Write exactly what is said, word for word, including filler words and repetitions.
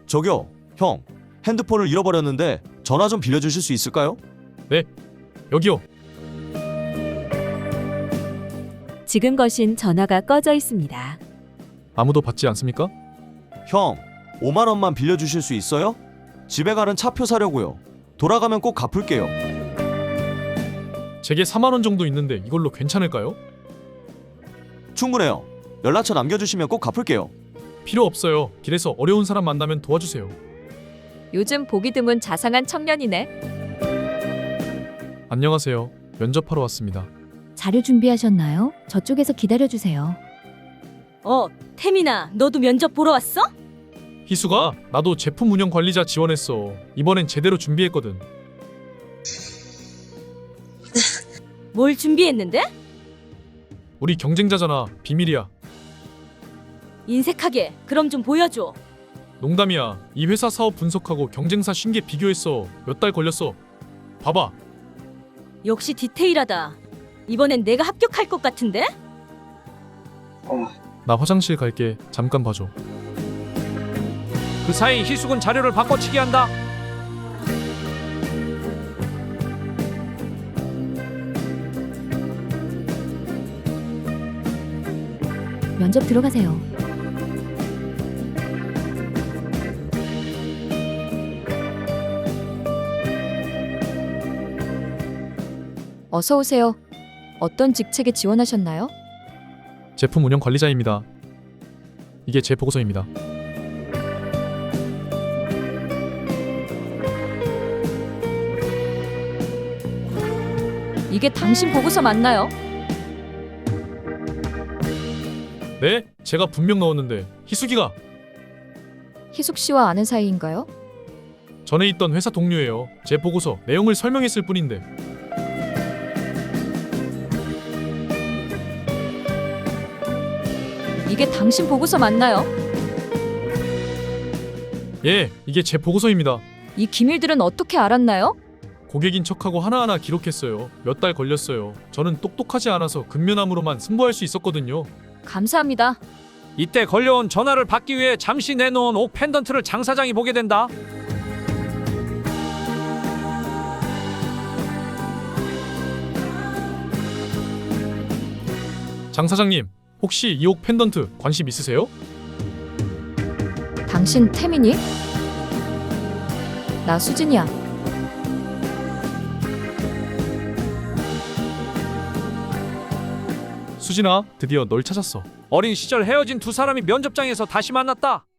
저기요, 형. 핸드폰을 잃어버렸는데 전화 좀 빌려주실 수 있을까요? 네, 여기요. 지금 거신 전화가 꺼져 있습니다. 아무도 받지 않습니까? 형, 오만 원만 빌려주실 수 있어요? 집에 가는 차표 사려고요. 돌아가면 꼭 갚을게요. 제게 사만 원 정도 있는데 이걸로 괜찮을까요? 충분해요. 연락처 남겨주시면 꼭 갚을게요. 필요 없어요. 길에서 어려운 사람 만나면 도와주세요. 요즘 보기 드문 자상한 청년이네. 안녕하세요. 면접하러 왔습니다. 자료 준비하셨나요? 저쪽에서 기다려주세요. 어, 태민아, 너도 면접 보러 왔어? 희수가 나도 제품 운영 관리자 지원했어. 이번엔 제대로 준비했거든. 뭘 준비했는데? 우리 경쟁자잖아. 비밀이야. 인색하게. 그럼 좀 보여줘. 농담이야. 이 회사 사업 분석하고 경쟁사 신계 비교했어. 몇 달 걸렸어. 봐봐. 역시 디테일하다. 이번엔 내가 합격할 것 같은데? 나 화장실 갈게. 잠깐 봐줘. 그 사이 희숙은 자료를 바꿔치기 한다. 면접 들어가세요. 어서 오세요. 어떤 직책에 지원하셨나요? 제품 운영 관리자입니다. 이게 제 보고서입니다. 이게 당신 보고서 맞나요? 네? 제가 분명 넣었는데 희숙이가 희숙 씨와 아는 사이인가요? 전에 있던 회사 동료예요. 제 보고서 내용을 설명했을 뿐인데. 이게 당신 보고서 맞나요? 예, 이게 제 보고서입니다. 이 기밀들은 어떻게 알았나요? 고객인 척하고 하나하나 기록했어요. 몇 달 걸렸어요. 저는 똑똑하지 않아서 근면함으로만 승부할 수 있었거든요. 감사합니다. 이때 걸려온 전화를 받기 위해 잠시 내놓은 옥 펜던트를 장 사장이 보게 된다. 장 사장님, 혹시 이 옥 펜던트 관심 있으세요? 당신 태민이? 나 수진이야. 수진아, 드디어 널 찾았어. 어린 시절 헤어진 두 사람이 면접장에서 다시 만났다.